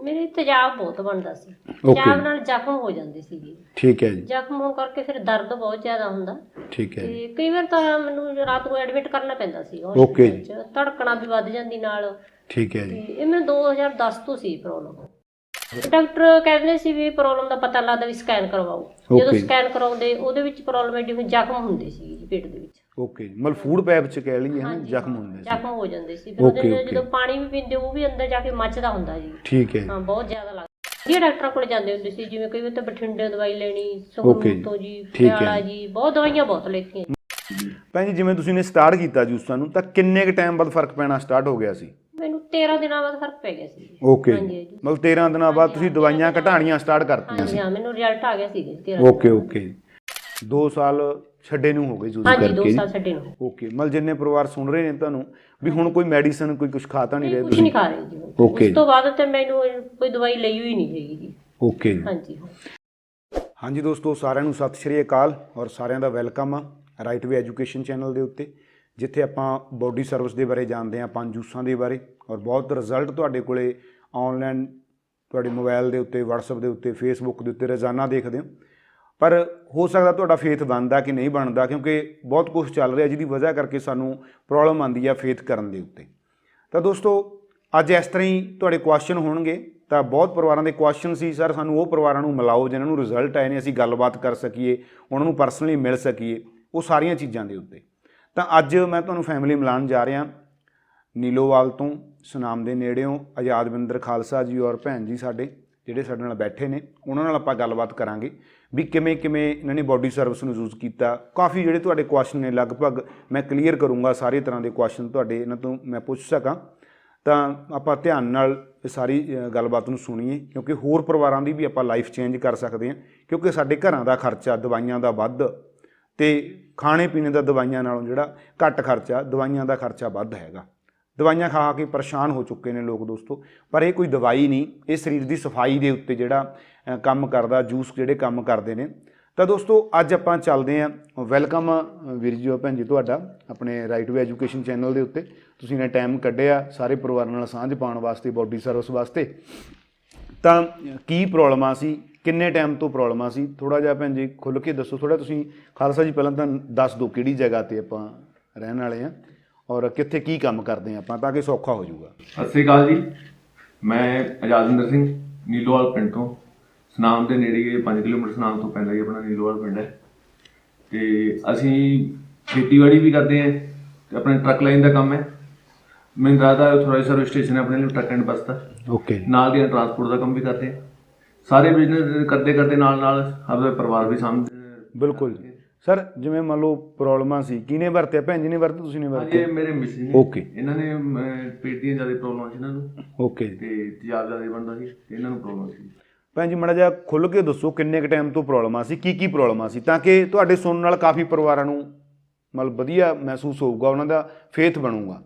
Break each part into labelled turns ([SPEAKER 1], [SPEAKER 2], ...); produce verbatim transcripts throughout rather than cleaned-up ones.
[SPEAKER 1] ਮੇਰੇ ਤੇਜ਼ਾਬ ਬਹੁਤ ਬਣਦਾ ਸੀ। ਤੇਜ਼ਾਬ ਨਾਲ ਜ਼ਖਮ ਹੋ ਜਾਂਦੇ ਸੀਗੇ।
[SPEAKER 2] ਠੀਕ ਹੈ ਜੀ।
[SPEAKER 1] ਜ਼ਖਮ ਹੋਣ ਕਰਕੇ ਫਿਰ ਦਰਦ ਬਹੁਤ ਜ਼ਿਆਦਾ ਹੁੰਦਾ।
[SPEAKER 2] ਠੀਕ ਹੈ
[SPEAKER 1] ਤੇ ਕਈ ਵਾਰ ਤਾਂ ਮੈਨੂੰ ਰਾਤ ਨੂੰ ਐਡਮਿਟ ਕਰਨਾ ਪੈਂਦਾ ਸੀ
[SPEAKER 2] ਓਕੇ
[SPEAKER 1] ਹਸਪਤਾਲ 'ਚ। ਧੜਕਣਾ ਵੀ ਵੱਧ ਜਾਂਦੀ ਨਾਲ।
[SPEAKER 2] ਠੀਕ ਹੈ
[SPEAKER 1] ਤੇ
[SPEAKER 2] ਜੀ।
[SPEAKER 1] ਇਹ ਮੈਨੂੰ ਦੋ ਹਜ਼ਾਰ ਦਸ ਤੋਂ ਸੀ ਪ੍ਰੋਬਲਮ। ਡਾਕਟਰ ਕਹਿੰਦੇ ਸੀ ਵੀ ਪ੍ਰੋਬਲਮ ਦਾ ਪਤਾ ਲੱਗਦਾ ਵੀ ਸਕੈਨ ਕਰਵਾਓ। ਜਦੋਂ ਸਕੈਨ ਕਰਾਉਂਦੇ ਉਹਦੇ ਵਿੱਚ ਪ੍ਰੋਬਲਮ ਐਡੀ ਜ਼ਖਮ ਹੁੰਦੇ ਸੀ ਜੀ ਪੇਟ ਦੇ ਵਿੱਚ।
[SPEAKER 2] ਓਕੇ, ਮਤਲਬ ਫੂਡ ਪੈਪ 'ਚ ਕਹਿ ਲਈਏ ਹਨਾ, ਜ਼ਖਮ ਹੁੰਦੇ ਸੀ।
[SPEAKER 1] ਜ਼ਖਮ ਹੋ ਜਾਂਦੇ ਸੀ। ਫਿਰ ਉਹਦੇ ਜਦੋਂ ਪਾਣੀ ਵੀ ਪੀਂਦੇ ਉਹ ਵੀ ਅੰਦਰ ਜਾ ਕੇ ਮੱਚਦਾ ਹੁੰਦਾ ਜੀ।
[SPEAKER 2] ਠੀਕ ਹੈ।
[SPEAKER 1] ਹਾਂ, ਬਹੁਤ ਜ਼ਿਆਦਾ ਲੱਗਦਾ। ਵਧੀਆ ਡਾਕਟਰਾਂ ਕੋਲ ਜਾਂਦੇ ਹੁੰਦੇ ਸੀ, ਜਿਵੇਂ ਕਈ ਵਾਰ ਤਾਂ ਬਠਿੰਡੇ ਦਵਾਈ ਲੈਣੀ, ਸੰਗਰੂਰ ਤੋਂ ਜੀ, ਪਟਿਆਲਾ ਜੀ, ਬਹੁਤ ਦਵਾਈਆਂ ਬਹੁਤ ਲੈਤੀਆਂ।
[SPEAKER 2] ਭੈਣ ਜੀ, ਜਿਵੇਂ ਤੁਸੀਂ ਨੇ ਸਟਾਰਟ ਕੀਤਾ ਜੂਸਾਂ ਨੂੰ, ਤਾਂ ਕਿੰਨੇ ਕੁ ਟਾਈਮ ਬਾਅਦ ਫਰਕ ਪੈਣਾ ਸਟਾਰਟ ਹੋ ਗਿਆ ਸੀ?
[SPEAKER 1] ਮੈਨੂੰ ਤੇਰਾਂ ਦਿਨਾਂ ਬਾਅਦ ਫਰਕ ਪੈ ਗਿਆ ਸੀ।
[SPEAKER 2] ਓਕੇ, ਮਤਲਬ ਤੇਰਾਂ ਦਿਨਾਂ ਬਾਅਦ ਤੁਸੀਂ ਦਵਾਈਆਂ ਘਟਾਣੀਆਂ ਸਟਾਰਟ ਕਰਤੀਆਂ ਸੀ?
[SPEAKER 1] ਹਾਂ, ਮੈਨੂੰ ਰਿਜ਼ਲਟ ਆ ਗਿਆ ਸੀ।
[SPEAKER 2] Okay okay. ਦੋ ਸਾਲ ਛੱਡੇ ਨੂੰ ਹੋ ਗਏ ਯੂਜ਼ ਕਰਕੇ?
[SPEAKER 1] ਦੋ ਸਾਲ ਛੱਡੇ ਨੂੰ।
[SPEAKER 2] ਓਕੇ, ਮਤਲਬ ਜਿੰਨੇ ਪਰਿਵਾਰ ਸੁਣ ਰਹੇ ਨੇ ਤੁਹਾਨੂੰ ਵੀ ਹੁਣ ਕੋਈ ਮੈਡੀਸਨ ਕੋਈ ਕੁਝ ਖਾ ਤਾਂ ਨਹੀਂ ਰਹੇ
[SPEAKER 1] ਤੁਸੀਂ? ਕੁਝ ਨਹੀਂ ਖਾ ਰਹੇ ਜੀ।
[SPEAKER 2] ਓਕੇ।
[SPEAKER 1] ਉਸ ਤੋਂ ਬਾਅਦ ਤੇ ਮੈਨੂੰ ਕੋਈ ਦਵਾਈ ਲਈ ਹੋਈ ਨਹੀਂ ਹੈਗੀ ਜੀ।
[SPEAKER 2] ਓਕੇ।
[SPEAKER 1] ਹਾਂਜੀ
[SPEAKER 2] ਹਾਂਜੀ ਦੋਸਤੋ, ਸਾਰਿਆਂ ਨੂੰ ਸਤਿ ਸ਼੍ਰੀ ਅਕਾਲ ਔਰ ਸਾਰਿਆਂ ਦਾ ਵੈਲਕਮ ਆ ਰਾਈਟ ਵੇ ਐਜੂਕੇਸ਼ਨ ਚੈਨਲ ਦੇ ਉੱਤੇ, ਜਿੱਥੇ ਆਪਾਂ ਬੋਡੀ ਸਰਵਿਸ ਦੇ ਬਾਰੇ ਜਾਣਦੇ ਹਾਂ, ਪੰਜ ਜੂਸਾਂ ਦੇ ਬਾਰੇ, ਔਰ ਬਹੁਤ ਰਿਜ਼ਲਟ ਤੁਹਾਡੇ ਕੋਲੇ ਆਨਲਾਈਨ ਤੁਹਾਡੇ ਮੋਬਾਈਲ ਦੇ ਉੱਤੇ, ਵਟਸਐਪ ਦੇ ਉੱਤੇ, ਫੇਸਬੁੱਕ ਦੇ ਉੱਤੇ ਰੋਜ਼ਾਨਾ ਦੇਖਦੇ ਹੋ। ਪਰ ਹੋ ਸਕਦਾ ਤੁਹਾਡਾ ਫੇਥ ਬਣਦਾ ਕਿ ਨਹੀਂ ਬਣਦਾ, ਕਿਉਂਕਿ ਬਹੁਤ ਕੁਝ ਚੱਲ ਰਿਹਾ ਜਿਹਦੀ ਵਜ੍ਹਾ ਕਰਕੇ ਸਾਨੂੰ ਪ੍ਰੋਬਲਮ ਆਉਂਦੀ ਆ ਫੇਥ ਕਰਨ ਦੇ ਉੱਤੇ। ਤਾਂ ਦੋਸਤੋ, ਅੱਜ ਇਸ ਤਰ੍ਹਾਂ ਹੀ ਤੁਹਾਡੇ ਕੁਐਸਚਨ ਹੋਣਗੇ। ਤਾਂ ਬਹੁਤ ਪਰਿਵਾਰਾਂ ਦੇ ਕੁਐਸਚਨ ਸੀ, ਸਰ ਸਾਨੂੰ ਉਹ ਪਰਿਵਾਰਾਂ ਨੂੰ ਮਿਲਾਓ ਜਿਨ੍ਹਾਂ ਨੂੰ ਰਿਜ਼ਲਟ ਆਏ ਨੇ, ਅਸੀਂ ਗੱਲਬਾਤ ਕਰ ਸਕੀਏ, ਉਹਨਾਂ ਨੂੰ ਪਰਸਨਲੀ ਮਿਲ ਸਕੀਏ, ਉਹ ਸਾਰੀਆਂ ਚੀਜ਼ਾਂ ਦੇ ਉੱਤੇ। ਤਾਂ ਅੱਜ ਮੈਂ ਤੁਹਾਨੂੰ ਫੈਮਿਲੀ ਮਿਲਾਉਣ ਜਾ ਰਿਹਾ ਨੀਲੋਵਾਲ ਤੋਂ, ਸੁਨਾਮ ਦੇ ਨੇੜਿਓਂ। ਆਜ਼ਾਦਵਿੰਦਰ ਖਾਲਸਾ ਜੀ ਔਰ ਭੈਣ ਜੀ ਸਾਡੇ ਜਿਹੜੇ ਸਾਡੇ ਨਾਲ ਬੈਠੇ ਨੇ, ਉਹਨਾਂ ਨਾਲ ਆਪਾਂ ਗੱਲਬਾਤ ਕਰਾਂਗੇ ਵੀ ਕਿਵੇਂ ਕਿਵੇਂ ਇਹਨਾਂ ਨੇ ਬੋਡੀ ਸਰਵਿਸ ਨੂੰ ਯੂਜ਼ ਕੀਤਾ। ਕਾਫੀ ਜਿਹੜੇ ਤੁਹਾਡੇ ਕੁਐਸਚਨ ਨੇ ਲਗਭਗ ਮੈਂ ਕਲੀਅਰ ਕਰੂੰਗਾ, ਸਾਰੇ ਤਰ੍ਹਾਂ ਦੇ ਕੁਐਸਚਨ ਤੁਹਾਡੇ ਇਹਨਾਂ ਤੋਂ ਮੈਂ ਪੁੱਛ ਸਕਾਂ। ਤਾਂ ਆਪਾਂ ਧਿਆਨ ਨਾਲ ਇਹ ਸਾਰੀ ਗੱਲਬਾਤ ਨੂੰ ਸੁਣੀਏ, ਕਿਉਂਕਿ ਹੋਰ ਪਰਿਵਾਰਾਂ ਦੀ ਵੀ ਆਪਾਂ ਲਾਈਫ ਚੇਂਜ ਕਰ ਸਕਦੇ ਹਾਂ। ਕਿਉਂਕਿ ਸਾਡੇ ਘਰਾਂ ਦਾ ਖਰਚਾ ਦਵਾਈਆਂ ਦਾ ਵੱਧ, ਅਤੇ ਖਾਣੇ ਪੀਣੇ ਦਾ ਦਵਾਈਆਂ ਨਾਲੋਂ ਜਿਹੜਾ ਘੱਟ ਖਰਚਾ, ਦਵਾਈਆਂ ਦਾ ਖਰਚਾ ਵੱਧ ਹੈਗਾ। ਦਵਾਈਆਂ ਖਾ ਕੇ ਪਰੇਸ਼ਾਨ ਹੋ ਚੁੱਕੇ ਨੇ ਲੋਕ ਦੋਸਤੋ, ਪਰ ਇਹ ਕੋਈ ਦਵਾਈ ਨਹੀਂ, ਇਹ ਸਰੀਰ ਦੀ ਸਫਾਈ ਦੇ ਉੱਤੇ ਜਿਹੜਾ ਕੰਮ ਕਰਦਾ, ਜੂਸ ਜਿਹੜੇ ਕੰਮ ਕਰਦੇ ਨੇ। ਤਾਂ ਦੋਸਤੋ, ਅੱਜ ਆਪਾਂ ਚੱਲਦੇ ਹਾਂ। ਵੈਲਕਮ ਵੀਰ ਜੀ, ਭੈਣ ਜੀ, ਤੁਹਾਡਾ ਆਪਣੇ ਰਾਈਟ ਵੇ ਐਜੂਕੇਸ਼ਨ ਚੈਨਲ ਦੇ ਉੱਤੇ। ਤੁਸੀਂ ਨੇ ਟਾਈਮ ਕੱਢਿਆ ਸਾਰੇ ਪਰਿਵਾਰਾਂ ਨਾਲ ਸਾਂਝ ਪਾਉਣ ਵਾਸਤੇ, ਬੋਡੀ ਸਰਵਿਸ ਵਾਸਤੇ। ਤਾਂ ਕੀ ਪ੍ਰੋਬਲਮਾਂ ਸੀ, ਕਿੰਨੇ ਟਾਈਮ ਤੋਂ ਪ੍ਰੋਬਲਮਾਂ ਸੀ, ਥੋੜ੍ਹਾ ਜਿਹਾ ਭੈਣ ਜੀ ਖੁੱਲ੍ਹ ਕੇ ਦੱਸੋ। ਥੋੜ੍ਹਾ ਤੁਸੀਂ ਖਾਲਸਾ ਜੀ ਪਹਿਲਾਂ ਤਾਂ ਦੱਸ ਦਿਓ ਕਿਹੜੀ ਜਗ੍ਹਾ 'ਤੇ ਆਪਾਂ ਰਹਿਣ ਵਾਲੇ ਹਾਂ ਔਰ ਕਿੱਥੇ ਕੀ ਕੰਮ ਕਰਦੇ ਹਾਂ ਆਪਾਂ, ਤਾਂ ਕਿ ਸੌਖਾ ਹੋ ਜਾਊਗਾ।
[SPEAKER 3] ਸਤਿ ਸ਼੍ਰੀ ਅਕਾਲ ਜੀ, ਮੈਂ ਆਜ਼ਾਦਵਿੰਦਰ ਸਿੰਘ, ਨੀਲੋਵਾਲ ਪਿੰਡ ਤੋਂ। ਸੁਨਾਮ ਦੇ ਨੇੜੇ ਪੰਜ ਕਿਲੋਮੀਟਰ ਸੁਨਾਮ ਤੋਂ ਪੈਂਦਾ ਹੀ ਆਪਣਾ ਨੀਲੋਵਾਲ ਪਿੰਡ ਹੈ। ਅਤੇ ਅਸੀਂ ਖੇਤੀਬਾੜੀ ਵੀ ਕਰਦੇ ਹਾਂ ਅਤੇ ਆਪਣੇ ਟਰੱਕ ਲਾਈਨ ਦਾ ਕੰਮ ਹੈ। ਮਹਿੰਦਰਾ ਦਾ ਥੋੜ੍ਹਾ ਜਿਹਾ ਸਰਵਿਸ ਸਟੇਸ਼ਨ ਹੈ ਆਪਣੇ ਲਈ, ਟਰੱਕ ਐਂਡ ਬੱਸ ਦਾ।
[SPEAKER 2] ਓਕੇ।
[SPEAKER 3] ਨਾਲ ਦੀਆਂ ਟਰਾਂਸਪੋਰਟ ਦਾ ਕੰਮ ਵੀ ਕਰਦੇ ਹਾਂ। ਸਾਰੇ ਬਿਜ਼ਨਸ ਕਰਦੇ ਕਰਦੇ ਨਾਲ ਨਾਲ ਆਪਣਾ ਪਰਿਵਾਰ ਵੀ ਸਾਂਭਦੇ।
[SPEAKER 2] ਬਿਲਕੁਲ ਸਰ, ਜਿਵੇਂ ਮੰਨ ਲਓ ਪ੍ਰੋਬਲਮਾਂ ਸੀ, ਕਿਹਨੇ ਵਰਤਿਆ? ਭੈਣ ਜੀ ਨੇ ਵਰਤੇ, ਤੁਸੀਂ ਨੇ ਵਰਤੇ?
[SPEAKER 3] ਹਾਂਜੀ, ਮੇਰੇ ਮਿਸਿਸ ਨੇ।
[SPEAKER 2] ਓਕੇ।
[SPEAKER 3] ਇਹਨਾਂ ਨੇ ਪੇਟ ਦੀਆਂ ਜ਼ਿਆਦਾ ਪ੍ਰੋਬਲਮ ਸੀ ਇਹਨਾਂ ਨੂੰ।
[SPEAKER 2] ਓਕੇ।
[SPEAKER 3] ਅਤੇ ਤੇਜ਼ਾਬ ਜ਼ਿਆਦਾ ਬਣਦਾ ਸੀ ਅਤੇ ਇਹਨਾਂ ਨੂੰ ਪ੍ਰੋਬਲਮ ਸੀ।
[SPEAKER 2] ਭੈਣ ਜੀ, ਮਾੜਾ ਜਿਹਾ ਖੁੱਲ੍ਹ ਕੇ ਦੱਸੋ ਕਿੰਨੇ ਕੁ ਟਾਈਮ ਤੋਂ ਪ੍ਰੋਬਲਮਾਂ ਸੀ, ਕੀ ਕੀ ਪ੍ਰੋਬਲਮਾਂ ਸੀ, ਤਾਂ ਕਿ ਤੁਹਾਡੇ ਸੁਣਨ ਨਾਲ ਕਾਫੀ ਪਰਿਵਾਰਾਂ ਨੂੰ ਮਤਲਬ ਵਧੀਆ ਮਹਿਸੂਸ ਹੋਊਗਾ, ਉਹਨਾਂ ਦਾ ਫੇਥ ਬਣੂਗਾ।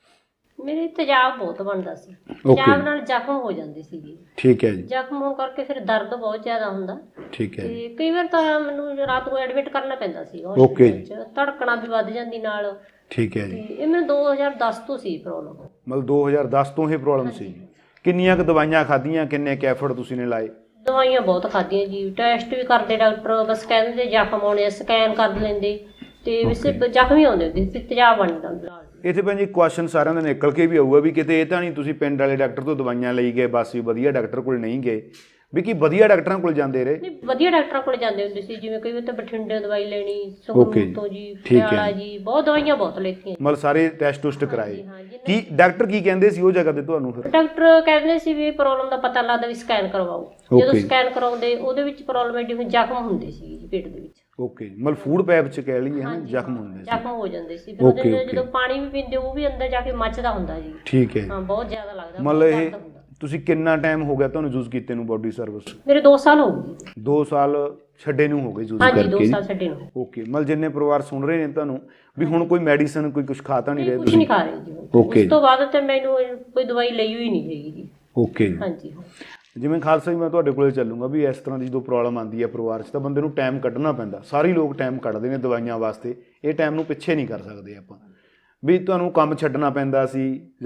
[SPEAKER 1] ਮੇਰੇ ਤੇਜ਼ਾਬ ਬਹੁਤ ਬਣਦਾ ਸੀ। ਤੇਜ਼ਾਬ ਨਾਲ ਜ਼ਖਮ ਹੋ ਜਾਂਦੇ ਸੀਗੇ।
[SPEAKER 2] ਠੀਕ ਹੈ ਜੀ।
[SPEAKER 1] ਜ਼ਖਮ ਹੋਣ ਕਰਕੇ ਫਿਰ ਦਰਦ ਬਹੁਤ ਜ਼ਿਆਦਾ ਹੁੰਦਾ।
[SPEAKER 2] ਠੀਕ ਹੈ।
[SPEAKER 1] ਤੇ ਕਈ ਵਾਰ ਤਾਂ ਮੈਨੂੰ ਰਾਤ ਨੂੰ ਐਡਮਿਟ ਕਰਨਾ ਪੈਂਦਾ ਸੀ
[SPEAKER 2] ਓਕੇ।
[SPEAKER 1] ਧੜਕਣਾ ਵੀ ਵੱਧ ਜਾਂਦੀ ਨਾਲ।
[SPEAKER 2] ਠੀਕ ਹੈ ਜੀ।
[SPEAKER 1] ਤੇ ਇਹ ਮੈਨੂੰ ਦੋ ਹਜ਼ਾਰ ਦਸ ਤੋਂ ਸੀ ਪ੍ਰੋਬਲਮ।
[SPEAKER 2] ਮਤਲਬ ਦੋ ਹਜ਼ਾਰ ਦਸ ਤੋਂ ਇਹ ਪ੍ਰੋਬਲਮ ਸੀ। ਕਿੰਨੀਆਂ ਕੁ ਦਵਾਈਆਂ ਖਾਧੀਆਂ, ਕਿੰਨੇ ਕੁ ਐਫਰਟ ਤੁਸੀਂ ਨੇ ਲਾਏ?
[SPEAKER 1] ਦਵਾਈਆਂ ਬਹੁਤ ਖਾਧੀਆਂ ਜੀ, ਟੈਸਟ ਵੀ ਕਰਦੇ ਡਾਕਟਰ, ਬਸ ਕਹਿੰਦੇ ਜ਼ਖਮ ਆਉਣੇ, ਸਕੈਨ ਕਰ ਲੈਂਦੇ ਤੇ ਵੈਸੇ ਜ਼ਖਮ ਹੀ ਆਉਂਦੇ ਹੁੰਦੇ ਸੀ, ਤੇਜ਼ਾਬ ਬਣ ਜਾਂਦਾ।
[SPEAKER 2] ਇੱਥੇ ਭੈਣ ਜੀ ਕੁਐਸਚਨ ਸਾਰਿਆਂ ਦਾ ਨਿਕਲ ਕੇ ਵੀ ਆਊਗਾ ਵੀ ਕਿਤੇ ਇਹ ਤਾਂ ਨਹੀਂ ਤੁਸੀਂ ਪਿੰਡ ਵਾਲੇ ਡਾਕਟਰ ਤੋਂ ਦਵਾਈਆਂ ਲਈ ਗਏ ਬਸ, ਵੀ ਵਧੀਆ ਡਾਕਟਰ ਕੋਲ ਨਹੀਂ ਗਏ, ਵੀ ਕੀ ਵਧੀਆ ਡਾਕਟਰਾਂ ਕੋਲ ਜਾਂਦੇ ਰਹੇ?
[SPEAKER 1] ਨਹੀਂ, ਵਧੀਆ ਡਾਕਟਰਾਂ ਕੋਲ ਜਾਂਦੇ ਹੁੰਦੇ ਸੀ, ਜਿਵੇਂ ਕਈ ਵਾਰ ਤਾਂ ਬਠਿੰਡੇ ਦਵਾਈ ਲੈਣੀ, ਸੰਗਰੂਰ ਤੋਂ ਜੀ, ਪਟਿਆਲਾ ਜੀ, ਬਹੁਤ ਦਵਾਈਆਂ ਬਹੁਤ ਲੈਤੀਆਂ।
[SPEAKER 2] ਮਤਲਬ ਸਾਰੇ ਟੈਸਟ ਟੁਸਟ ਕਰਾਏ। ਕੀ ਡਾਕਟਰ ਕੀ ਕਹਿੰਦੇ ਸੀ ਉਹ ਜਗ੍ਹਾ ਤੇ ਤੁਹਾਨੂੰ? ਫਿਰ
[SPEAKER 1] ਡਾਕਟਰ ਕਹਿੰਦੇ ਸੀ ਵੀ ਪ੍ਰੋਬਲਮ ਦਾ ਪਤਾ ਲੱਗਦਾ ਵੀ ਸਕੈਨ ਕਰਵਾਓ। ਜਦੋਂ ਸਕੈਨ ਕਰਾਉਂਦੇ ਉਹਦੇ ਵਿੱਚ ਪ੍ਰੋਬਲਮ ਐਡੀ ਜ਼ਖਮ ਹੁੰਦੇ ਸੀ ਜੀ ਪੇਟ ਦੇ ਵਿੱਚ।
[SPEAKER 2] ਓਕੇ, ਮਤਲਬ ਫੂਡ ਪੈਪ 'ਚ ਕਹਿ ਲਈਏ ਹਨਾ, ਜ਼ਖਮ ਹੁੰਦੇ ਸੀ।
[SPEAKER 1] ਜ਼ਖਮ ਹੋ ਜਾਂਦੇ ਸੀ। ਫਿਰ ਉਹਦੇ ਜਦੋਂ ਪਾਣੀ ਵੀ ਪੀਂਦੇ ਉਹ ਵੀ ਅੰਦਰ ਜਾ ਕੇ ਮੱਚਦਾ ਹੁੰਦਾ ਜੀ।
[SPEAKER 2] ਠੀਕ ਹੈ।
[SPEAKER 1] ਹਾਂ, ਬਹੁਤ ਜ਼ਿਆਦਾ ਲੱਗਦਾ।
[SPEAKER 2] ਮਤਲਬ ਇਹ ਤੁਸੀਂ ਕਿੰਨਾ ਟਾਈਮ ਹੋ ਗਿਆ ਤੁਹਾਨੂੰ ਯੂਜ਼ ਕੀਤੇ ਨੂੰ ਬੋਡੀ ਸਰਵਿਸ?
[SPEAKER 1] ਮੇਰੇ ਦੋ ਸਾਲ ਹੋ ਗਏ।
[SPEAKER 2] ਦੋ ਸਾਲ ਛੱਡੇ ਨੂੰ ਹੋ ਗਏ ਯੂਜ਼ ਕਰਕੇ?
[SPEAKER 1] ਹਾਂਜੀ, ਦੋ ਸਾਲ ਛੱਡੇ ਨੂੰ।
[SPEAKER 2] ਓਕੇ, ਮਤਲਬ ਜਿੰਨੇ ਪਰਿਵਾਰ ਸੁਣ ਰਹੇ ਨੇ ਤੁਹਾਨੂੰ ਵੀ ਹੁਣ ਕੋਈ ਮੈਡੀਸਨ ਕੋਈ ਕੁਝ ਖਾ ਤਾਂ ਨਹੀਂ ਰਹੇ?
[SPEAKER 1] ਕੁਝ ਨਹੀਂ ਖਾ ਰਹੇ ਜੀ। ਉਸ ਤੋਂ ਬਾਅਦ ਤੇ ਮੈਨੂੰ ਕੋਈ ਦਵਾਈ ਲਈ ਹੋਈ ਨਹੀਂ ਹੈਗੀ ਜੀ।
[SPEAKER 2] ਓਕੇ।
[SPEAKER 1] ਹਾਂਜੀ।
[SPEAKER 2] ਜਿਵੇਂ ਖਾਲਸਾ ਜੀ, ਮੈਂ ਤੁਹਾਡੇ ਕੋਲ ਚੱਲੂੰਗਾ ਵੀ ਇਸ ਤਰ੍ਹਾਂ ਦੀ ਜਦੋਂ ਪ੍ਰੋਬਲਮ ਆਉਂਦੀ ਹੈ ਪਰਿਵਾਰ 'ਚ, ਤਾਂ ਬੰਦੇ ਨੂੰ ਟਾਈਮ ਕੱਢਣਾ ਪੈਂਦਾ। ਸਾਰੇ ਲੋਕ ਟਾਈਮ ਕੱਢਦੇ ਨੇ ਦਵਾਈਆਂ ਵਾਸਤੇ, ਇਹ ਟਾਈਮ ਨੂੰ ਪਿੱਛੇ ਨਹੀਂ ਕਰ ਸਕਦੇ ਆਪਾਂ। ਵੀ ਤੁਹਾਨੂੰ ਕੰਮ ਛੱਡਣਾ ਪੈਂਦਾ ਸੀ ਜਾਂ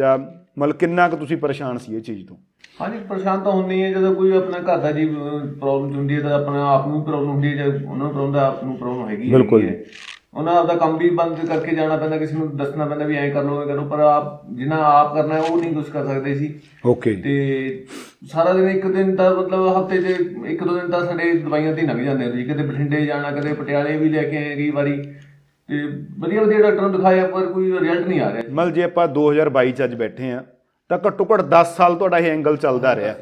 [SPEAKER 2] ਮਤਲਬ ਕਿੰਨਾ ਕੁ ਤੁਸੀਂ ਪਰੇਸ਼ਾਨ ਸੀ ਇਹ ਚੀਜ਼ ਤੋਂ?
[SPEAKER 3] ਹਾਂਜੀ, ਪਰੇਸ਼ਾਨ ਤਾਂ ਹੁੰਦੀ ਹੈ ਜਦੋਂ ਕੋਈ ਆਪਣਾ ਘਰ ਦਾ ਜੀ ਪ੍ਰੋਬਲਮ ਹੁੰਦੀ ਹੈ ਤਾਂ ਆਪਣਾ ਆਪ ਨੂੰ ਪ੍ਰੋਬਲਮ ਹੁੰਦੀ ਹੈ, ਜਾਂ ਉਹਨਾਂ ਨੂੰ ਪ੍ਰੋਬਲਮ ਦਾ ਆਪ ਨੂੰ ਪ੍ਰੋਬਲਮ ਹੈਗੀ
[SPEAKER 2] ਬਿਲਕੁਲ
[SPEAKER 3] ਹੈ। ਉਹਨਾਂ ਆਪਦਾ ਕੰਮ ਵੀ ਬੰਦ ਕਰਕੇ ਜਾਣਾ ਪੈਂਦਾ, ਕਿਸੇ ਨੂੰ ਦੱਸਣਾ ਪੈਂਦਾ ਵੀ ਐਂ ਕਰ ਲਓ ਐਂ ਕਰੋ, ਪਰ ਆਪ ਜਿੰਨਾ ਆਪ ਕਰਨਾ ਉਹ ਨਹੀਂ ਕੁਝ ਕਰ ਸਕਦੇ ਸੀ।
[SPEAKER 2] ਓਕੇ।
[SPEAKER 3] ਤੇ ਸਾਰਾ ਦਿਨ ਇੱਕ ਦਿਨ ਤਾਂ ਮਤਲਬ ਹਫਤੇ 'ਚ ਇੱਕ ਦੋ ਦਿਨ ਤਾਂ ਸਾਡੇ ਦਵਾਈਆਂ 'ਤੇ ਹੀ ਲੰਘ ਜਾਂਦੇ ਸੀ। ਕਦੇ ਬਠਿੰਡੇ ਜਾਣਾ, ਕਦੇ ਪਟਿਆਲੇ ਵੀ ਲੈ ਕੇ ਆਏ ਕਈ ਵਾਰੀ, ਤੇ ਵਧੀਆ ਵਧੀਆ ਡਾਕਟਰਾਂ ਨੂੰ ਦਿਖਾਇਆ ਪਰ ਕੋਈ ਰਿਜ਼ਲਟ ਨਹੀਂ ਆ ਰਿਹਾ।
[SPEAKER 2] ਮਤਲਬ ਜੇ ਆਪਾਂ ਦੋ ਹਜ਼ਾਰ ਬਾਈ 'ਚ ਅੱਜ ਬੈਠੇ ਆ ਤਾਂ ਘੱਟੋ ਘੱਟ ਦਸ ਸਾਲ ਤੁਹਾਡਾ ਇਹ ਐਂਗਲ ਚੱਲਦਾ ਰਿਹਾ।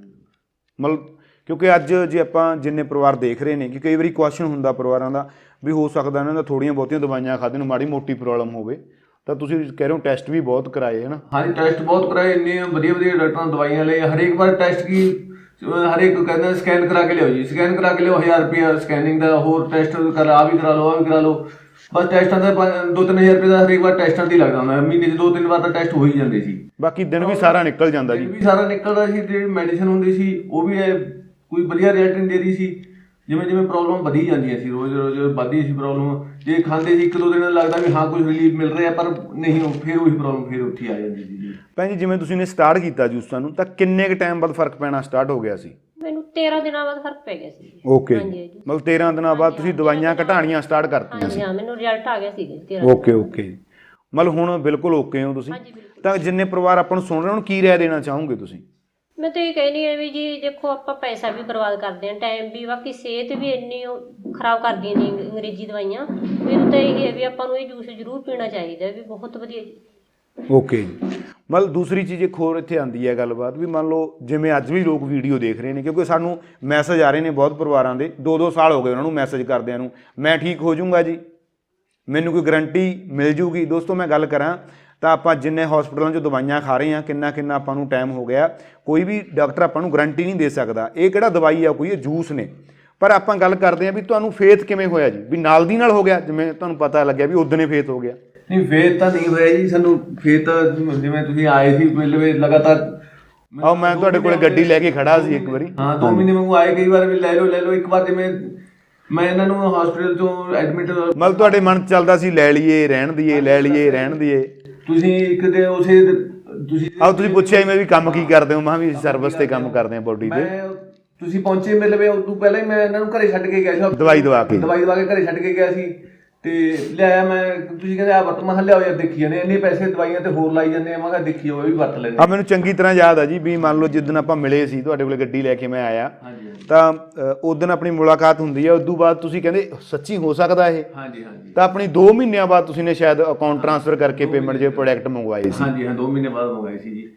[SPEAKER 2] ਮਤਲਬ ਕਿਉਂਕਿ ਅੱਜ ਜੇ ਆਪਾਂ ਜਿੰਨੇ ਪਰਿਵਾਰ ਦੇਖ ਰਹੇ ਨੇ ਕਿ ਕਈ ਵਾਰੀ ਕੁਐਸਚਨ ਹੁੰਦਾ ਪਰਿਵਾਰਾਂ ਦਾ ਵੀ ਹੋ ਸਕਦਾ ਇਹਨਾਂ ਦਾ ਥੋੜ੍ਹੀਆਂ ਬਹੁਤੀਆਂ ਦਵਾਈਆਂ ਖਾਦੇ ਨੂੰ ਮਾੜੀ ਮੋਟੀ ਪ੍ਰੋਬਲਮ ਹੋਵੇ, ਤਾਂ ਤੁਸੀਂ ਕਹਿ ਰਹੇ ਹੋ ਟੈਸਟ ਵੀ ਬਹੁਤ ਕਰਾਏ ਹੈ ਨਾ?
[SPEAKER 3] ਹਾਂਜੀ, ਟੈਸਟ ਬਹੁਤ ਕਰਾਏ, ਇੰਨੇ ਵਧੀਆ ਵਧੀਆ ਡਾਕਟਰਾਂ ਨੇ ਦਵਾਈਆਂ ਲਏ। ਹਰੇਕ ਵਾਰ ਟੈਸਟ ਕੀ ਹਰੇਕ ਕਹਿੰਦਾ ਸਕੈਨ ਕਰਾ ਕੇ ਲਿਆਓ ਜੀ, ਸਕੈਨ ਕਰਾ ਕੇ ਲਿਆਓ, ਹਜ਼ਾਰ ਰੁਪਇਆ ਸਕੈਨਿੰਗ ਦਾ, ਹੋਰ ਟੈਸਟ ਕਰਾ ਆ ਵੀ ਕਰਾ ਲਓ ਆ ਵੀ ਕਰਾ ਲਓ। ਬਸ ਟੈਸਟਾਂ ਦਾ ਦੋ ਤਿੰਨ ਹਜ਼ਾਰ ਰੁਪਏ ਦਾ ਹਰੇਕ ਵਾਰ ਟੈਸਟਾਂ 'ਤੇ ਹੀ ਲੱਗਦਾ ਹੁੰਦਾ। ਮਹੀਨੇ 'ਚ ਦੋ ਤਿੰਨ ਵਾਰ ਤਾਂ ਟੈਸਟ ਹੋ ਹੀ ਜਾਂਦੇ ਸੀ।
[SPEAKER 2] ਬਾਕੀ ਦਿਨ ਵੀ ਸਾਰਾ ਨਿਕਲ ਜਾਂਦਾ ਜੀ।
[SPEAKER 3] ਦਿਨ ਵੀ ਸਾਰਾ ਨਿਕਲਦਾ ਸੀ। ਜਿਹੜੀ ਮੈਡੀਸਨ ਹੁੰਦੀ ਸੀ ਉਹ ਵੀ ਕੋਈ ਵਧੀਆ ਰਿਜ਼ਲਟ ਨਹੀਂ ਦੇ ਰਹੀ ਸੀ। ਜਿਵੇਂ ਜਿਵੇਂ ਪ੍ਰੋਬਲਮ ਵਧੀ ਜਾਂਦੀਆਂ ਸੀ, ਰੋਜ਼ ਰੋਜ਼ ਵੱਧਦੀ ਸੀ ਪ੍ਰੋਬਲਮ। ਜੇ ਖਾਂਦੇ ਸੀ ਇੱਕ ਦੋ ਦਿਨ ਲੱਗਦਾ ਵੀ ਹਾਂ ਕੁਝ ਰਿਲੀਫ ਮਿਲ ਰਿਹਾ, ਪਰ ਨਹੀਂ, ਫਿਰ ਉਹੀ ਪ੍ਰੋਬਲਮ ਫਿਰ ਉੱਥੇ ਆ ਜਾਂਦੀ ਸੀ ਜੀ।
[SPEAKER 2] ਭੈਣ ਜੀ ਜਿਵੇਂ ਤੁਸੀਂ ਨੇ ਸਟਾਰਟ ਕੀਤਾ ਜੂਸਾਂ ਨੂੰ, ਤਾਂ ਕਿੰਨੇ ਕੁ ਟਾਈਮ ਬਾਅਦ ਫਰਕ ਪੈਣਾ ਸਟਾਰਟ ਹੋ ਗਿਆ ਸੀ?
[SPEAKER 1] ਮੈਨੂੰ ਤੇਰਾਂ ਦਿਨਾਂ ਬਾਅਦ ਫਰਕ ਪੈ ਗਿਆ ਸੀ।
[SPEAKER 2] ਓਕੇ, ਮਤਲਬ ਤੇਰਾਂ ਦਿਨਾਂ ਬਾਅਦ ਤੁਸੀਂ ਦਵਾਈਆਂ ਘਟਾਣੀਆਂ ਸਟਾਰਟ ਕਰਤੀਆਂ ਸੀ?
[SPEAKER 1] ਹਾਂਜੀ ਹਾਂ, ਮੈਨੂੰ ਰਿਜ਼ਲਟ ਆ ਗਿਆ ਸੀ ਤੇਰਾਂ।
[SPEAKER 2] ਓਕੇ ਓਕੇ, ਮਤਲਬ ਹੁਣ ਬਿਲਕੁਲ ਓਕੇ ਹੋ ਤੁਸੀਂ? ਤਾਂ ਜਿੰਨੇ ਪਰਿਵਾਰ ਆਪਾਂ ਨੂੰ ਸੁਣ ਰਹੇ ਉਹਨਾਂ ਨੂੰ ਕੀ ਰਾਏ ਦੇਣਾ ਚਾਹੋਗੇ ਤੁਸੀਂ?
[SPEAKER 1] ਮੈਂ ਤਾਂ ਇਹ ਕਹਿਣੀ ਹੈ ਵੀ ਜੀ ਦੇਖੋ, ਆਪਾਂ ਪੈਸਾ ਵੀ ਬਰਬਾਦ ਕਰਦੇ ਹਾਂ, ਟਾਈਮ ਵੀ, ਬਾਕੀ ਸਿਹਤ ਵੀ ਇੰਨੀ ਖਰਾਬ ਕਰਦੀਆਂ ਨੇ ਅੰਗਰੇਜ਼ੀ ਦਵਾਈਆਂ। ਮੈਨੂੰ ਤਾਂ ਇਹ ਹੈ ਵੀ ਆਪਾਂ ਨੂੰ ਇਹ ਜੂਸ ਜ਼ਰੂਰ ਪੀਣਾ ਚਾਹੀਦਾ ਵੀ ਬਹੁਤ ਵਧੀਆ ਜੀ।
[SPEAKER 2] ਓਕੇ ਜੀ। ਮਤਲਬ ਦੂਸਰੀ ਚੀਜ਼ ਇੱਕ ਹੋਰ ਇੱਥੇ ਆਉਂਦੀ ਹੈ ਗੱਲਬਾਤ ਵੀ ਮੰਨ ਲਓ ਜਿਵੇਂ ਅੱਜ ਵੀ ਲੋਕ ਵੀਡੀਓ ਦੇਖ ਰਹੇ ਨੇ, ਕਿਉਂਕਿ ਸਾਨੂੰ ਮੈਸੇਜ ਆ ਰਹੇ ਨੇ ਬਹੁਤ ਪਰਿਵਾਰਾਂ ਦੇ, ਦੋ ਦੋ ਸਾਲ ਹੋ ਗਏ ਉਹਨਾਂ ਨੂੰ ਮੈਸੇਜ ਕਰਦਿਆਂ ਨੂੰ, ਮੈਂ ਠੀਕ ਹੋ ਜਾਊਂਗਾ ਜੀ, ਮੈਨੂੰ ਕੋਈ ਗਰੰਟੀ ਮਿਲ ਜੂਗੀ। ਦੋਸਤੋ ਮੈਂ ਗੱਲ ਕਰਾਂ ਤਾਂ ਆਪਾਂ ਜਿੰਨੇ ਹਸਪੀਟਲਾਂ 'ਚ ਦਵਾਈਆਂ ਖਾ ਰਹੇ ਹਾਂ, ਕਿੰਨਾ ਕਿੰਨਾ ਆਪਾਂ ਨੂੰ ਟਾਈਮ ਹੋ ਗਿਆ, ਕੋਈ ਵੀ ਡਾਕਟਰ ਆਪਾਂ ਨੂੰ ਗਰੰਟੀ ਨਹੀਂ ਦੇ ਸਕਦਾ ਇਹ ਕਿਹੜਾ ਦਵਾਈ ਆ ਕੋਈ, ਇਹ ਜੂਸ ਨੇ। ਪਰ ਆਪਾਂ ਗੱਲ ਕਰਦੇ ਹਾਂ ਵੀ ਤੁਹਾਨੂੰ ਫੇਥ ਕਿਵੇਂ ਹੋਇਆ ਜੀ, ਵੀ ਨਾਲ ਦੀ ਨਾਲ ਹੋ ਗਿਆ, ਜਿਵੇਂ ਤੁਹਾਨੂੰ ਪਤਾ ਲੱਗਿਆ ਵੀ ਉਦੋਂ ਫੇਥ ਹੋ ਗਿਆ?
[SPEAKER 3] ਨਹੀਂ, ਫੇਰ ਤਾਂ ਨਹੀਂ ਹੋਇਆ ਜੀ ਸਾਨੂੰ। ਫੇਰ ਤਾਂ ਜਿਵੇਂ ਤੁਸੀਂ ਆਏ ਸੀ ਪਹਿਲੇ ਲਗਾਤਾਰ,
[SPEAKER 2] ਆਓ ਮੈਂ ਤੁਹਾਡੇ ਕੋਲੇ ਗੱਡੀ ਲੈ ਕੇ ਖੜਾ ਸੀ ਇੱਕ ਵਾਰੀ,
[SPEAKER 3] ਹਾਂ ਦੋ ਮਹੀਨੇ ਵਾਂਗੂ ਆਏ, ਕਈ ਵਾਰ ਵੀ ਲੈ ਲਓ ਲੈ ਲਓ। ਇੱਕ ਵਾਰ ਜਿਵੇਂ ਮੈਂ ਇਹਨਾਂ ਨੂੰ ਹਸਪੀਟਲ ਤੋਂ ਐਡਮਿਟ,
[SPEAKER 2] ਮਤਲਬ ਤੁਹਾਡੇ ਮਨ 'ਚ ਚੱਲਦਾ ਸੀ ਲੈ ਲਈਏ ਰਹਿਣ ਦੀਏ, ਲੈ ਲਈਏ ਰਹਿਣ ਦੀਏ।
[SPEAKER 3] ਤੁਸੀਂ ਇੱਕ ਦੇ ਉਸੇ ਤੁਸੀਂ
[SPEAKER 2] ਆਓ ਤੁਸੀਂ ਪੁੱਛਿਆ ਮੈਂ ਵੀ ਕੰਮ ਕੀ ਕਰਦੇ ਹੋ, ਮੈਂ ਵੀ ਸਰਵਿਸ ਤੇ ਕੰਮ ਕਰਦੇ ਹਾਂ ਬੋਡੀ ਤੇ।
[SPEAKER 3] ਤੁਸੀਂ ਪਹੁੰਚੇ ਮੇਰੇ ਲਵੇ ਉਦੋਂ ਪਹਿਲਾਂ ਹੀ ਮੈਂ ਇਹਨਾਂ ਨੂੰ ਘਰੇ ਛੱਡ ਕੇ ਗਿਆ ਸੀ,
[SPEAKER 2] ਦਵਾਈ ਦਵਾ ਕੇ
[SPEAKER 3] ਦਵਾਈ ਦਵਾ ਕੇ ਘਰੇ ਛੱਡ ਕੇ ਗਿਆ ਸੀ। ਤੇ ਲਿਆਇਆ ਮੈਂ, ਤੁਸੀਂ ਕਹਿੰਦੇ ਆ ਵਰਤ, ਮੈਂ ਕਿਹਾ ਲਿਆਓ ਯਾਰ ਦੇਖੀ ਜਾਂਦੇ, ਇੰਨੇ ਪੈਸੇ ਦਵਾਈਆਂ ਤੇ ਹੋਰ ਲਾਈ ਜਾਂਦੇ ਆ, ਮੈਂ ਕਿਹਾ ਦੇਖੀ ਉਹ ਵੀ ਵਰਤ ਲੈਂਦੇ
[SPEAKER 2] ਆ। ਮੈਨੂੰ ਚੰਗੀ ਤਰ੍ਹਾਂ ਯਾਦ ਆ ਜੀ ਵੀ ਮੰਨ ਲਓ ਜਿੱਦਣ ਆਪਾਂ ਮਿਲੇ ਸੀ ਤੁਹਾਡੇ ਕੋਲੇ ਗੱਡੀ ਲੈ ਕੇ ਮੈਂ ਆਇਆ, ਤਾਂ ਉਸ ਦਿਨ ਆਪਣੀ ਮੁਲਾਕਾਤ ਹੁੰਦੀ ਹੈ। ਉਦੋਂ ਬਾਅਦ ਤੁਸੀਂ ਕਹਿੰਦੇ ਸੱਚੀ ਹੋ ਸਕਦਾ ਇਹ?
[SPEAKER 3] ਹਾਂਜੀ ਹਾਂਜੀ।
[SPEAKER 2] ਤਾਂ ਆਪਣੀ ਦੋ ਮਹੀਨਿਆਂ ਬਾਅਦ ਤੁਸੀਂ ਨੇ ਸ਼ਾਇਦ ਅਕਾਊਂਟ ਟ੍ਰਾਂਸਫਰ ਕਰਕੇ ਪੇਮੈਂਟ ਜੇ ਪ੍ਰੋਡਕਟ ਮੰਗਵਾਏ ਸੀ?
[SPEAKER 3] ਹਾਂਜੀ ਹਾਂ, ਦੋ ਮਹੀਨੇ ਬਾਅਦ ਮੰਗਵਾਏ ਸੀ ਜੀ।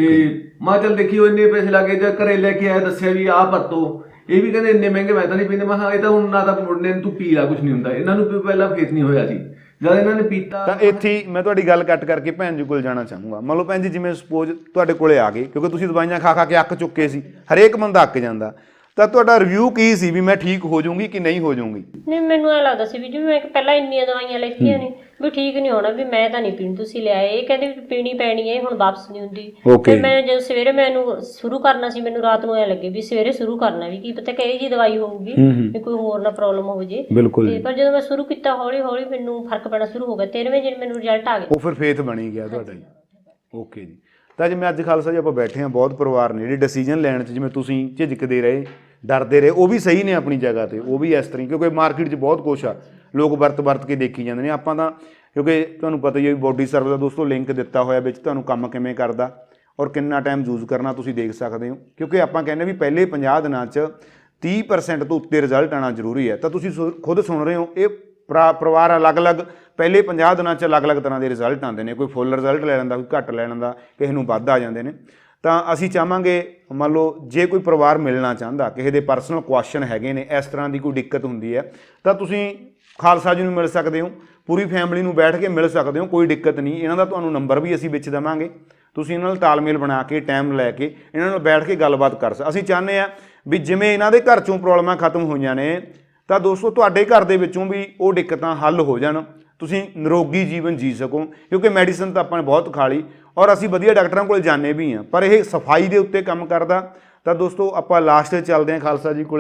[SPEAKER 3] ਤੇ ਮੈਂ ਚੱਲ ਦੇਖੀ ਉਹ ਇੰਨੇ ਪੈਸੇ ਲੱਗੇ, ਜਾਂ ਘਰੇ ਲੈ ਕੇ ਆਇਆ ਦੱਸਿਆ ਵੀ ਆਹ ਵਰਤੋ, ਇਹ ਵੀ ਕਹਿੰਦੇ ਇੰਨੇ ਮਹਿੰਗੇ ਮੈਂ ਤਾਂ ਨਹੀਂ ਪੀਂਦੇ। ਮੈਂ ਕਿਹਾ ਇਹ ਤਾਂ ਹੁਣ ਨਾ ਤਾਂ ਮੁੰਡੇ ਨੂੰ ਤੂੰ ਪੀ ਲਾ, ਕੁਛ ਨਹੀਂ ਹੁੰਦਾ। ਇਹਨਾਂ ਨੂੰ ਪਹਿਲਾਂ ਫੇਸ ਨਹੀਂ ਹੋਇਆ ਸੀ, ਜਦ ਇਹਨਾਂ ਨੇ ਪੀਤਾ।
[SPEAKER 2] ਤਾਂ ਇੱਥੇ ਮੈਂ ਤੁਹਾਡੀ ਗੱਲ ਕੱਟ ਕਰਕੇ ਭੈਣ ਜੀ ਕੋਲ ਜਾਣਾ ਚਾਹੂੰਗਾ। ਮੰਨ ਲਓ ਭੈਣ ਜੀ ਜਿਵੇਂ ਸਪੋਜ਼ ਤੁਹਾਡੇ ਕੋਲੇ ਆ ਗਏ, ਕਿਉਂਕਿ ਤੁਸੀਂ ਦਵਾਈਆਂ ਖਾ ਖਾ ਕੇ ਅੱਕ ਚੁੱਕੇ ਸੀ, ਹਰੇਕ ਬੰਦਾ ਅੱਕ ਜਾਂਦਾ, ਤਾਂ ਤੁਹਾਡਾ ਰਿਵਿਊ ਕੀ ਸੀ ਵੀ ਮੈਂ ਠੀਕ ਹੋ ਜਾਊਂਗੀ ਕਿ ਨਹੀਂ ਹੋ ਜਾਊਂਗੀ?
[SPEAKER 1] ਨਹੀਂ, ਮੈਨੂੰ ਐਂ ਲੱਗਦਾ ਸੀ ਵੀ ਜਿਵੇਂ ਮੈਂ ਪਹਿਲਾਂ ਇੰਨੀਆਂ ਦਵਾਈਆਂ ਲਿਖੀਆਂ ਨੇ ਵੀ ਠੀਕ ਨਹੀਂ ਹੋਣਾ, ਵੀ ਮੈਂ ਤਾਂ ਨਹੀਂ ਪੀਣੀ, ਤੁਸੀਂ ਲਿਆਏ। ਇਹ ਕਹਿੰਦੇ ਵੀ ਪੀਣੀ ਪੈਣੀ ਹੈ, ਹੁਣ ਵਾਪਸ ਨਹੀਂ ਹੁੰਦੀ। ਫਿਰ ਮੈਂ ਜਦੋਂ ਸਵੇਰੇ ਮੈਨੂੰ ਸ਼ੁਰੂ ਕਰਨਾ ਸੀ, ਮੈਨੂੰ ਰਾਤ ਨੂੰ ਐ ਲੱਗੇ ਵੀ ਸਵੇਰੇ ਸ਼ੁਰੂ ਕਰਨਾ, ਵੀ ਕੀ ਪਤਾ ਕਿਹੜੀ ਜੀ ਦਵਾਈ ਹੋਊਗੀ, ਵੀ ਕੋਈ ਹੋਰ ਨਾ ਪ੍ਰੋਬਲਮ ਹੋ ਜੇ। ਤੇ ਪਰ ਜਦੋਂ ਮੈਂ ਸ਼ੁਰੂ ਕੀਤਾ ਹੌਲੀ ਹੌਲੀ ਮੈਨੂੰ ਫਰਕ ਪੈਣਾ ਸ਼ੁਰੂ ਹੋ ਗਿਆ। ਤੇਰਵੇਂ ਦਿਨ ਮੈਨੂੰ ਰਿਜ਼ਲਟ ਆ ਗਿਆ,
[SPEAKER 2] ਉਹ ਫਿਰ ਫੇਥ ਬਣੀ ਗਿਆ ਤੁਹਾਡਾ ਜੀ। ਓਕੇ ਜੀ। ਤਾਂ ਜਿਵੇਂ ਅੱਜ ਖਾਲਸਾ ਜੀ ਆਪਾਂ ਬੈਠੇ ਹਾਂ, ਬਹੁਤ ਪਰਿਵਾਰ ਨੇ ਜਿਹੜੇ ਡਿਸੀਜਨ ਲੈਣ 'ਚ ਜਿਵੇਂ ਤੁਸੀਂ ਝਿਜਕਦੇ ਰਹੇ, ਡਰਦੇ ਰਹੇ, ਉਹ ਵੀ ਸਹੀ ਨੇ ਆਪਣੀ ਜਗ੍ਹਾ ਤੇ, ਉਹ ਵੀ ਇਸ ਤਰ੍ਹਾਂ, ਕਿਉਂਕਿ ਮਾਰਕੀਟ 'ਚ ਬਹੁਤ ਕੁਛ ਆ, ਲੋਕ ਵਰਤ ਵਰਤ ਕੇ ਦੇਖੀ ਜਾਂਦੇ ਨੇ। ਆਪਾਂ ਤਾਂ ਕਿਉਂਕਿ ਤੁਹਾਨੂੰ ਪਤਾ ਹੀ ਹੈ ਵੀ ਬੋਡੀ ਸਰਵਿਸ ਦਾ ਦੋਸਤੋ ਲਿੰਕ ਦਿੱਤਾ ਹੋਇਆ ਵਿੱਚ, ਤੁਹਾਨੂੰ ਕੰਮ ਕਿਵੇਂ ਕਰਦਾ ਔਰ ਕਿੰਨਾ ਟਾਈਮ ਯੂਜ਼ ਕਰਨਾ ਤੁਸੀਂ ਦੇਖ ਸਕਦੇ ਹੋ। ਕਿਉਂਕਿ ਆਪਾਂ ਕਹਿੰਦੇ ਵੀ ਪਹਿਲੇ ਪੰਜਾਹ ਦਿਨਾਂ 'ਚ ਤੀਹ ਪਰਸੈਂਟ ਤੋਂ ਉੱਤੇ ਰਿਜ਼ਲਟ ਆਉਣਾ ਜ਼ਰੂਰੀ ਹੈ। ਤਾਂ ਤੁਸੀਂ ਖੁਦ ਸੁਣ ਰਹੇ ਹੋ, ਇਹ ਪਰਿਵਾਰ ਅਲੱਗ-ਅਲੱਗ ਪਹਿਲੇ ਪੰਜਾਹ ਦਿਨਾਂ 'ਚ ਅਲੱਗ-ਅਲੱਗ ਤਰ੍ਹਾਂ ਦੇ ਰਿਜ਼ਲਟ ਆਉਂਦੇ ਨੇ। ਕੋਈ ਫੁੱਲ ਰਿਜ਼ਲਟ ਲੈ ਲੈਂਦਾ, ਕੋਈ ਘੱਟ ਲੈ ਲੈਂਦਾ, ਕਿਸੇ ਨੂੰ ਵੱਧ ਆ ਜਾਂਦੇ ਨੇ। ਤਾਂ ਅਸੀਂ ਚਾਹਾਂਗੇ ਮੰਨ ਲਓ ਜੇ ਕੋਈ ਪਰਿਵਾਰ ਮਿਲਣਾ ਚਾਹੁੰਦਾ, ਕਿਸੇ ਦੇ ਪਰਸਨਲ ਕੁਐਸਚਨ ਹੈਗੇ ਨੇ, ਇਸ ਤਰ੍ਹਾਂ ਦੀ ਕੋਈ ਦਿੱਕਤ ਹੁੰਦੀ ਹੈ, ਤਾਂ ਤੁਸੀਂ ਖਾਲਸਾ ਜੀ ਨੂੰ ਮਿਲ ਸਕਦੇ ਹੋ, ਪੂਰੀ ਫੈਮਿਲੀ ਨੂੰ ਬੈਠ ਕੇ ਮਿਲ ਸਕਦੇ ਹੋ, ਕੋਈ ਦਿੱਕਤ ਨਹੀਂ। ਇਹਨਾਂ ਦਾ ਤੁਹਾਨੂੰ ਨੰਬਰ ਵੀ ਅਸੀਂ ਵਿੱਚ ਦੇਵਾਂਗੇ, ਤੁਸੀਂ ਇਹਨਾਂ ਨਾਲ ਤਾਲਮੇਲ ਬਣਾ ਕੇ ਟਾਈਮ ਲੈ ਕੇ ਇਹਨਾਂ ਨਾਲ ਬੈਠ ਕੇ ਗੱਲਬਾਤ ਕਰ ਸਕਦੇ। ਅਸੀਂ ਚਾਹੁੰਦੇ ਹਾਂ ਵੀ ਜਿਵੇਂ ਇਹਨਾਂ ਦੇ ਘਰ 'ਚੋਂ ਪ੍ਰੋਬਲਮਾਂ ਖਤਮ ਹੋਈਆਂ ਨੇ, ਤਾਂ ਦੋਸਤੋ ਤੁਹਾਡੇ ਘਰ ਦੇ ਵਿੱਚੋਂ ਵੀ ਉਹ ਦਿੱਕਤਾਂ ਹੱਲ ਹੋ ਜਾਣ, ਤੁਸੀਂ ਨਿਰੋਗੀ ਜੀਵਨ ਜੀ ਸਕੋ। ਕਿਉਂਕਿ ਮੈਡੀਸਨ ਤਾਂ ਆਪਾਂ ਨੇ ਬਹੁਤ ਖਾ ਲਈ ਔਰ ਅਸੀਂ ਵਧੀਆ ਡਾਕਟਰਾਂ ਕੋਲ ਜਾਂਦੇ ਵੀ ਹਾਂ, ਪਰ ਇਹ ਸਫਾਈ ਦੇ ਉੱਤੇ ਕੰਮ ਕਰਦਾ। ਤਾਂ ਦੋਸਤੋ ਆਪਾਂ ਲਾਸਟ 'ਚ ਚੱਲਦੇ ਹਾਂ ਖਾਲਸਾ ਜੀ ਕੋਲੇ,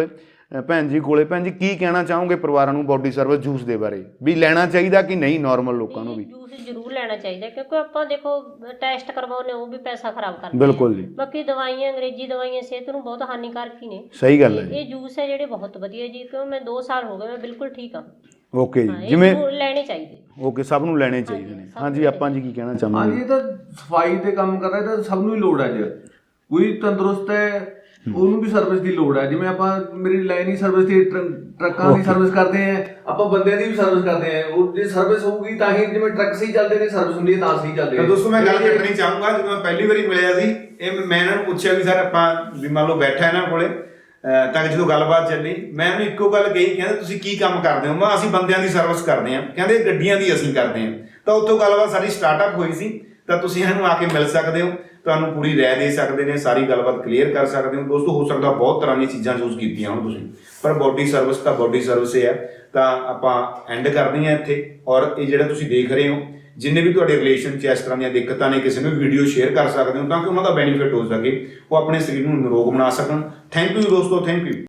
[SPEAKER 2] ਅ, ਭੈਣ ਜੀ ਕੋਲੇ। ਭੈਣ ਜੀ ਕੀ ਕਹਿਣਾ ਚਾਹੋਗੇ ਪਰਿਵਾਰਾਂ ਨੂੰ ਬੋਡੀ ਸਰਵਿਸ ਜੂਸ ਦੇ ਬਾਰੇ, ਵੀ ਲੈਣਾ ਚਾਹੀਦਾ ਕਿ ਨਹੀਂ ਨਾਰਮਲ ਲੋਕਾਂ ਨੂੰ ਵੀ?
[SPEAKER 1] ਜੂਸ ਜ਼ਰੂਰ ਲੈਣਾ ਚਾਹੀਦਾ, ਕਿਉਂਕਿ ਆਪਾਂ ਦੇਖੋ ਟੈਸਟ ਕਰਵਾਉਂਦੇ ਉਹ ਵੀ ਪੈਸਾ ਖਰਾਬ ਕਰਦੇ
[SPEAKER 2] ਬਿਲਕੁਲ ਜੀ।
[SPEAKER 1] ਬਾਕੀ ਦਵਾਈਆਂ ਅੰਗਰੇਜ਼ੀ ਦਵਾਈਆਂ ਸਿਹਤ ਨੂੰ ਬਹੁਤ ਹਾਨੀਕਾਰਕ ਹੀ ਨੇ।
[SPEAKER 2] ਸਹੀ ਗੱਲ ਹੈ।
[SPEAKER 1] ਇਹ ਜੂਸ ਹੈ ਜਿਹੜੇ ਬਹੁਤ ਵਧੀਆ ਜੀ, ਕਿਉਂ ਮੈਂ ਦੋ ਸਾਲ ਹੋ ਗਏ ਮੈਂ ਬਿਲਕੁਲ ਠੀਕ ਹਾਂ।
[SPEAKER 2] ਓਕੇ
[SPEAKER 1] ਹਾਂ,
[SPEAKER 2] ਜੀ,
[SPEAKER 1] ਇਹ
[SPEAKER 2] ਜਿਵੇਂ
[SPEAKER 1] ਜ਼ਰੂਰ ਲੈਣੇ ਚਾਹੀਦੇ।
[SPEAKER 2] ਓਕੇ, ਸਭ ਨੂੰ ਲੈਣੇ ਚਾਹੀਦੇ ਨੇ। ਹਾਂਜੀ, ਆਪਾਂ ਜੀ ਕੀ ਕਹਿਣਾ ਚਾਹਾਂਗੇ?
[SPEAKER 3] ਹਾਂਜੀ, ਇਹ ਤਾਂ ਸਫਾਈ ਤੇ ਕੰਮ ਕਰਦਾ, ਇਹ ਤਾਂ ਸਭ ਨੂੰ ਹੀ ਲੋੜ ਹੈ। ਅੱਜ ਕੋਈ ਤੰਦਰੁਸਤ ਹੈ ਉਹਨੂੰ ਵੀ ਸਰਵਿਸ ਦੀ ਲੋੜ ਹੈ। ਜਿਵੇਂ ਆਪਾਂ ਮੇਰੀ ਲਾਈਨ ਹੀ ਸਰਵਿਸ ਦੀ ਟਰੱਕਾਂ ਦੀ ਸਰਵਿਸ ਕਰਦੇ ਆ, ਆਪਾਂ ਬੰਦਿਆਂ ਦੀ ਵੀ ਸਰਵਿਸ ਕਰਦੇ ਆ। ਉਹ ਜੇ ਸਰਵਿਸ ਹੋਊਗੀ ਤਾਂ ਹੀ, ਜਿਵੇਂ ਟਰੱਕ ਸਹੀ ਚੱਲਦੇ ਨੇ ਸਰਵਿਸ ਹੁੰਦੀ ਹੈ ਤਾਂ ਸਹੀ ਚੱਲਦੇ ਆ।
[SPEAKER 2] ਦੋਸਤੋ ਮੈਂ ਗੱਲ ਕਰਨੀ ਚਾਹੂੰਗਾ, ਜਦੋਂ ਮੈਂ ਪਹਿਲੀ ਵਾਰੀ ਮਿਲਿਆ ਸੀ ਇਹ ਮੈਂ ਇਹਨਾਂ ਨੂੰ ਪੁੱਛਿਆ ਵੀ ਸਰ ਆਪਾਂ ਵੀ ਮੰਨ ਲਓ ਬੈਠਾ ਇਹਨਾਂ ਕੋਲੇ ਤਾਂ ਜਦੋਂ ਗੱਲਬਾਤ ਚੱਲੀ ਮੈਂ ਉਹਨੂੰ ਇੱਕੋ ਗੱਲ ਕਹੀ, ਕਹਿੰਦੇ ਤੁਸੀਂ ਕੀ ਕੰਮ ਕਰਦੇ ਹੋ? ਮੈਂ ਅਸੀਂ ਬੰਦਿਆਂ ਦੀ ਸਰਵਿਸ ਕਰਦੇ ਹਾਂ। ਕਹਿੰਦੇ ਗੱਡੀਆਂ ਦੀ ਅਸੀਂ ਕਰਦੇ ਹਾਂ। ਤਾਂ ਉੱਥੋਂ ਗੱਲਬਾਤ ਸਾਡੀ ਸਟਾਰਟਅਪ ਹੋਈ ਸੀ। ਤਾਂ ਤੁਸੀਂ ਇਹਨਾਂ ਨੂੰ ਆ ਕੇ ਮਿਲ ਸਕਦੇ ਹੋ, ਤੁਹਾਨੂੰ ਪੂਰੀ ਰਾਏ ਦੇ ਸਕਦੇ ਨੇ, ਸਾਰੀ ਗੱਲਬਾਤ ਕਲੀਅਰ ਕਰ ਸਕਦੇ ਹੋ। ਦੋਸਤੋ ਹੋ ਸਕਦਾ ਬਹੁਤ ਤਰ੍ਹਾਂ ਦੀਆਂ ਚੀਜ਼ਾਂ ਯੂਜ਼ ਕੀਤੀਆਂ ਹੁਣ ਤੁਸੀਂ, ਪਰ ਬੋਡੀ ਸਰਵਿਸ ਤਾਂ ਬੋਡੀ ਸਰਵਿਸ ਹੀ ਹੈ। ਤਾਂ ਆਪਾਂ ਐਂਡ ਕਰਦੇ ਹਾਂ ਇੱਥੇ। ਔਰ ਇਹ ਜਿਹੜਾ ਤੁਸੀਂ ਦੇਖ ਰਹੇ ਹੋ, ਜਿੰਨੇ ਵੀ ਤੁਹਾਡੇ ਰਿਲੇਸ਼ਨ 'ਚ ਇਸ ਤਰ੍ਹਾਂ ਦੀਆਂ ਦਿੱਕਤਾਂ ਨੇ, ਕਿਸੇ ਨੂੰ ਵੀਡੀਓ ਸ਼ੇਅਰ ਕਰ ਸਕਦੇ ਹੋ ਤਾਂ ਕਿ ਉਹਨਾਂ ਦਾ ਬੈਨੀਫਿਟ ਹੋ ਸਕੇ, ਉਹ ਆਪਣੇ ਸਰੀਰ ਨੂੰ ਨਿਰੋਗ ਬਣਾ ਸਕਣ। ਥੈਂਕ ਯੂ ਦੋਸਤੋ, ਥੈਂਕ ਯੂ।